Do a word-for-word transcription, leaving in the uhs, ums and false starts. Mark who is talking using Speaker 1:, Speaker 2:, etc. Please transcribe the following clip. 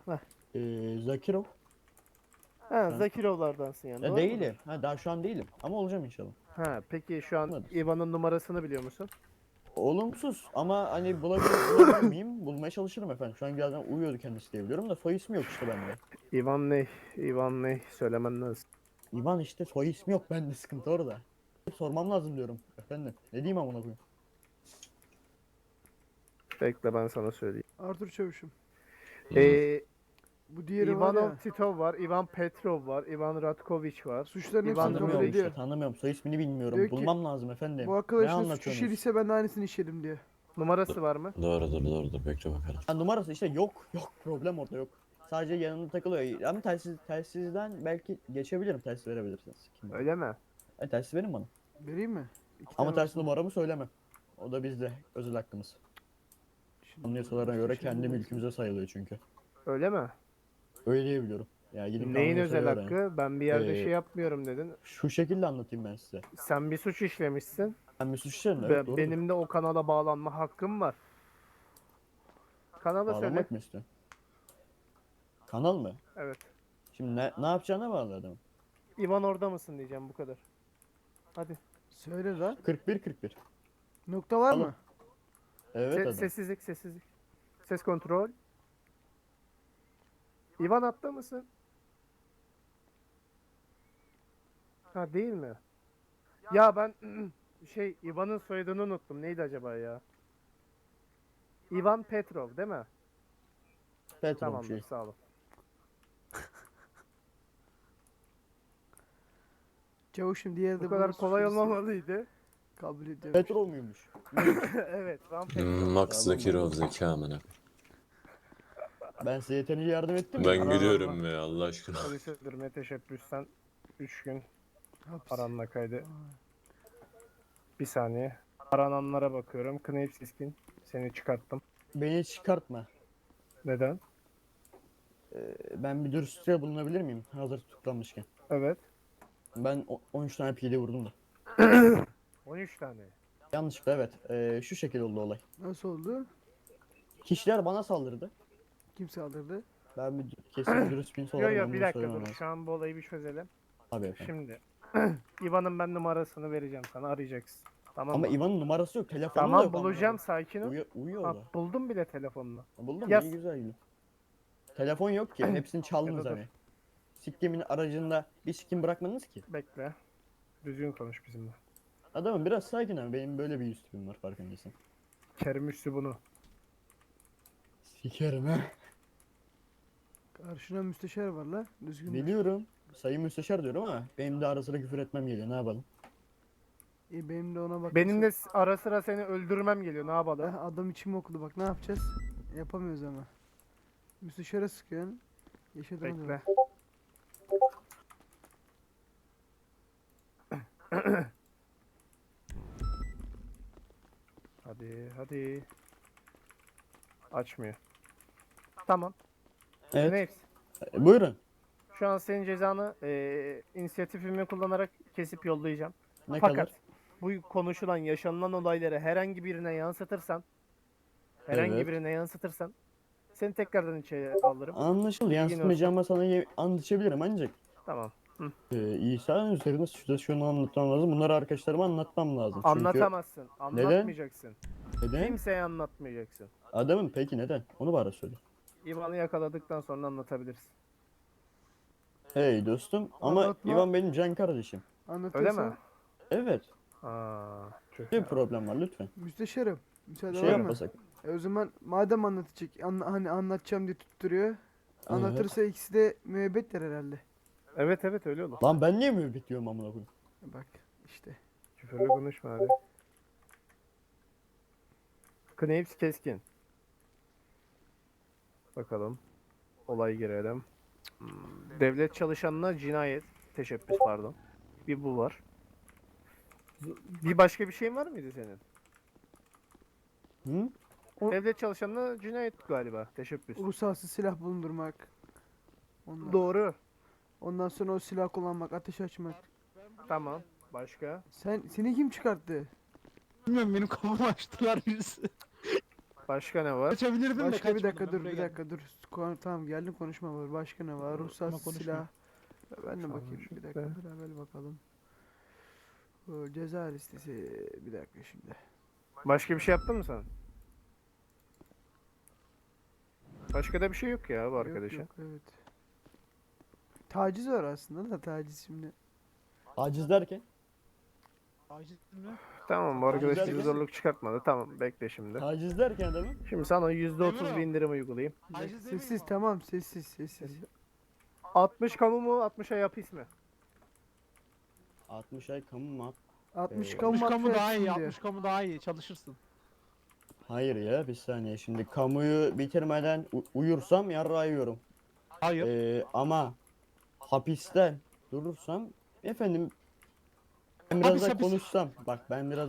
Speaker 1: Heh.
Speaker 2: Ee, Zakirov.
Speaker 1: Ha,
Speaker 2: Ha.
Speaker 1: Zakirovlardansın yani.
Speaker 2: Ya
Speaker 1: Doğru mudur?
Speaker 2: değilim. Ha, daha şu an değilim. Ama olacağım inşallah.
Speaker 1: Ha, peki şu an
Speaker 2: Anladım.
Speaker 1: Ivan'ın numarasını biliyor musun?
Speaker 2: Olumsuz ama hani bulabilir, bulabilir miyim? Bulmaya çalışırım efendim. Şu an birazdan uyuyordu kendisi diye biliyorum da soy ismi yok işte bende.
Speaker 1: Ivan ne? Ivan ne? Söylemen lazım.
Speaker 2: İvan işte soy ismi yok bende, sıkıntı orada. Sormam lazım diyorum efendim. Ne diyeyim amına koyayım?
Speaker 1: Bekle ben sana söyleyeyim.
Speaker 3: Arthur Çavuş'um.
Speaker 4: Hmm.
Speaker 1: Ee,
Speaker 3: Bu diğeri var
Speaker 1: Ivanov
Speaker 3: ya.
Speaker 1: Titov var, Ivan Petrov var, Ivan Ratkoviç var.
Speaker 3: Suçların hepsini
Speaker 1: İvan
Speaker 3: kabul
Speaker 2: Tanımıyorum
Speaker 3: ediyor.
Speaker 2: işte, tanımıyorum. Soy ismini bilmiyorum.
Speaker 3: Diyor ki,
Speaker 2: Bulmam lazım efendim.
Speaker 3: Bu
Speaker 2: Ne
Speaker 3: arkadaşın suç
Speaker 2: anlatıyorsunuz?
Speaker 3: işlediyse ben de aynısını işledim diye.
Speaker 1: Numarası var mı?
Speaker 4: Doğrudur doğrudur bekle bakalım.
Speaker 2: Ha, numarası işte yok. Yok, problem orada yok. Sadece yanında takılıyor. Ama telsiz, telsizden belki geçebilirim. Telsiz verebilirsiniz. Kim bilir.
Speaker 1: Öyle mi?
Speaker 2: E, telsiz verin bana.
Speaker 3: Vereyim mi? İki
Speaker 2: Ama
Speaker 3: tane
Speaker 2: telsiz
Speaker 3: olsun.
Speaker 2: numaramı söylemem. O da bizde. Özel hakkımız.
Speaker 3: Şimdi
Speaker 2: Anyasalara göre
Speaker 3: suçları
Speaker 2: kendi
Speaker 3: bulursun.
Speaker 2: mülkümüze sayılıyor çünkü.
Speaker 1: Öyle mi?
Speaker 2: Öyle diyebiliyorum. Ya gidip
Speaker 1: Neyin
Speaker 2: anayasaya
Speaker 1: özel
Speaker 2: öğrenin.
Speaker 1: hakkı? Ben bir yerde
Speaker 2: Ee,
Speaker 1: şey yapmıyorum dedin.
Speaker 2: Şu şekilde anlatayım ben size.
Speaker 1: Sen bir suç işlemişsin.
Speaker 2: Ben bir suç işlerim,
Speaker 1: Be-
Speaker 2: evet doğrudur.
Speaker 1: benim de o kanala bağlanma hakkım var. Kanala söyle.
Speaker 2: Bağlamak mı istiyorsun? Kanal mı?
Speaker 1: Evet.
Speaker 2: Şimdi ne, ne yapacağına bağlı adamın.
Speaker 1: Ivan orada mısın diyeceğim bu kadar. Hadi.
Speaker 3: Söyle lan.
Speaker 2: kırk bir kırk bir.
Speaker 3: Nokta var
Speaker 2: Alın.
Speaker 3: mı?
Speaker 2: Evet
Speaker 1: Se-
Speaker 2: adam.
Speaker 1: sessizlik, sessizlik. Ses kontrol. Ivan hatta mısın? Ha değil mi? Ya ben şey Ivan'ın soyadını unuttum. Neydi acaba ya? Ivan Petrov değil mi?
Speaker 2: Petrov
Speaker 1: Tamamdır,
Speaker 2: şey.
Speaker 1: sağ olun.
Speaker 3: Çavuşum diğeri de
Speaker 1: Bu kadar
Speaker 3: bunu
Speaker 1: kolay
Speaker 3: suç işledi.
Speaker 1: olmamalıydı.
Speaker 3: Kabul ediyorum.
Speaker 2: Petrov muymuş?
Speaker 1: Evet, Ivan
Speaker 4: Hmm,
Speaker 1: Petrov.
Speaker 4: Max
Speaker 2: Tamam,
Speaker 4: Zakirov
Speaker 2: buldum.
Speaker 4: zeka amına.
Speaker 2: Ben size yeterince yardım ettim mi?
Speaker 4: Ben
Speaker 1: Allah
Speaker 4: gülüyorum
Speaker 1: Allah.
Speaker 4: ya Allah aşkına.
Speaker 1: Polis öldürme teşebbüsten üç gün
Speaker 3: Hapis.
Speaker 1: aranma kaydı. Bir saniye. Arananlara bakıyorum. Kneyp Siskin. Seni çıkarttım.
Speaker 2: Beni çıkartma.
Speaker 1: Neden?
Speaker 2: Ee, ben bir dürüstlüğe bulunabilir miyim? Hazır tutuklanmışken.
Speaker 1: Evet.
Speaker 2: Ben o- on üç tane pide vurdum da.
Speaker 1: on üç tane.
Speaker 2: Yanlışlıkla evet. Ee, şu şekilde oldu olay.
Speaker 3: Nasıl oldu?
Speaker 2: Kişiler bana saldırdı.
Speaker 3: Kim saldırdı?
Speaker 2: Ben bir kesin dürüst bir insan
Speaker 1: Yo
Speaker 2: olarak
Speaker 1: yo
Speaker 2: ben
Speaker 1: bir
Speaker 2: bunu
Speaker 1: dakika
Speaker 2: söylemem
Speaker 1: dur.
Speaker 2: lazım.
Speaker 1: Şu an bu olayı bir çözelim.
Speaker 2: Abi efendim.
Speaker 1: Şimdi İvan'ın ben numarasını vereceğim sana, arayacaksın. Tamam
Speaker 2: Ama
Speaker 1: mı?
Speaker 2: İvan'ın numarası yok. Telefonu da
Speaker 1: Tamam
Speaker 2: yok. amına
Speaker 1: bulacağım, sakin
Speaker 2: koyayım.
Speaker 1: ol.
Speaker 2: Uyu, uyuyor
Speaker 1: Ha,
Speaker 2: o da.
Speaker 1: buldum bile telefonunu.
Speaker 2: Buldum
Speaker 1: Yaz.
Speaker 2: iyi güzel gülüm. Telefon yok ki. Hepsini çaldınız
Speaker 1: Ya da dur.
Speaker 2: hani. Sikkimin aracında bir sikim bırakmadınız ki.
Speaker 1: Bekle. Düzgün konuş bizimle.
Speaker 2: Adamım biraz sakin abi. Benim böyle bir yüz tipim var farkındaysan.
Speaker 1: Kerim Üssü bunu.
Speaker 2: Sikerim ha.
Speaker 3: Karşına müsteşar var la. Düzgün.
Speaker 2: Biliyorum. Sayın müsteşar diyorum ama benim de ara sıra küfür etmem geliyor. Ne yapalım?
Speaker 3: İyi benim de ona bak.
Speaker 1: Benim de s- ara sıra seni öldürmem geliyor. Ne yapalım?
Speaker 3: Eh, adam içim okudu bak ne yapacağız? Yapamıyoruz ama. Müsteşara sıkıyorsun. Yaşadığımız
Speaker 1: Bekle. Hadi hadi. Açmıyor. Tamam.
Speaker 2: Evet.
Speaker 1: Neyse.
Speaker 2: E, buyurun.
Speaker 1: Şu an senin cezanı eee inisiyatifimi kullanarak kesip yollayacağım.
Speaker 2: Ne
Speaker 1: Fakat
Speaker 2: kadar?
Speaker 1: bu konuşulan, yaşanılan olayları herhangi birine yansıtırsan, herhangi
Speaker 2: Evet.
Speaker 1: birine yansıtırsan seni tekrardan içeri alırım.
Speaker 2: Anlaşıldı.
Speaker 1: Bilgin
Speaker 2: Yansıtmayacağıma sana ye- anlatabilirim ancak.
Speaker 1: Tamam.
Speaker 2: Ee, İsa'nın üzerinde şurada şunu anlatmam lazım. Bunları arkadaşlarıma anlatmam lazım. Çünkü
Speaker 1: Anlatamazsın. Anlatmayacaksın.
Speaker 2: neden?
Speaker 1: Kimseye anlatmayacaksın.
Speaker 2: Adamın peki neden? Onu bana söyle.
Speaker 1: İvan'ı yakaladıktan sonra anlatabilirsin.
Speaker 2: Hey dostum ama
Speaker 3: Anlatma.
Speaker 2: İvan benim can kardeşim.
Speaker 1: Öyle
Speaker 3: Anlatırsan.
Speaker 1: mi?
Speaker 2: Evet.
Speaker 1: Aa, tüh
Speaker 2: Bir
Speaker 1: ya.
Speaker 2: problem var lütfen.
Speaker 3: Müsteşarım. Müsaade
Speaker 2: Bir
Speaker 3: var
Speaker 2: şey
Speaker 3: mı?
Speaker 2: yapasak.
Speaker 3: E o zaman madem anlatacak, anla, hani anlatacağım diye tutturuyor. Anlatırsa ikisi de müebbetler herhalde.
Speaker 1: Evet evet öyle olur.
Speaker 2: Lan ben niye müebbet diyorum amına koyayım?
Speaker 3: E Bak işte.
Speaker 1: Küfürlü konuşma hadi. Kneyps keskin. Bakalım. Olay girelim. Hmm, Devlet çalışanına cinayet. Teşebbüs pardon. Bir bu var. Bir başka bir şeyin var mıydı senin?
Speaker 2: Hı?
Speaker 3: O-
Speaker 1: Devlet çalışanına cinayet galiba. Teşebbüs.
Speaker 3: Ruhsatsız silah bulundurmak. Ondan,
Speaker 1: Doğru.
Speaker 3: ondan sonra o silah kullanmak, ateş açmak.
Speaker 1: Tamam. Başka?
Speaker 3: Sen seni kim çıkarttı?
Speaker 5: Bilmiyorum benim kafamı açtılar birisi.
Speaker 1: Başka ne var?
Speaker 5: Kaçabilirdim de
Speaker 3: Başka bir dakika
Speaker 5: kaçmadım,
Speaker 3: dur
Speaker 5: ben
Speaker 3: bir
Speaker 5: buraya
Speaker 3: dakika dur. Kon- tamam geldim konuşma var. Başka ne var?
Speaker 5: Ama
Speaker 3: Ruhsat
Speaker 5: konuşma.
Speaker 3: silah. Ben de
Speaker 1: Tamam,
Speaker 3: bakayım bir
Speaker 1: şimdi.
Speaker 3: dakika beraber bakalım. O ceza listesi bir dakika şimdi.
Speaker 1: Başka bir şey yaptın mı sen? Başka da bir şey yok ya bu
Speaker 3: Yok,
Speaker 1: arkadaşa.
Speaker 3: yok, evet. Taciz var aslında da taciz şimdi.
Speaker 2: Aciz derken?
Speaker 5: Taciz mi?
Speaker 1: Tamam bu arkadaş
Speaker 2: Güzel
Speaker 1: bize
Speaker 2: bir-
Speaker 1: zorluk çıkartmadı. Tamam bekle şimdi.
Speaker 2: Taciz derken adamın?
Speaker 1: Şimdi sana yüzde otuz
Speaker 5: Emre
Speaker 1: bir
Speaker 5: o.
Speaker 1: indirim uygulayayım.
Speaker 3: Bir dakika,
Speaker 5: Taciz demeyeyim
Speaker 3: sessiz
Speaker 5: mi?
Speaker 3: tamam sessiz sessiz.
Speaker 1: altmış kamu mu altmışa hapis mi?
Speaker 2: altmış ay kamu mu?
Speaker 3: altmış
Speaker 2: Ee,
Speaker 3: kamu
Speaker 5: altmış kamu
Speaker 3: madde
Speaker 5: daha iyi,
Speaker 3: yapsın diyor.
Speaker 5: altmış kamu daha iyi, çalışırsın.
Speaker 2: Hayır ya bir saniye şimdi kamuyu bitirmeden u- uyursam yarrağı yiyorum.
Speaker 5: Hayır.
Speaker 2: Ee, ama hapisten durursam efendim ben biraz
Speaker 5: Hapis,
Speaker 2: da
Speaker 5: hapis.
Speaker 2: konuşsam bak ben biraz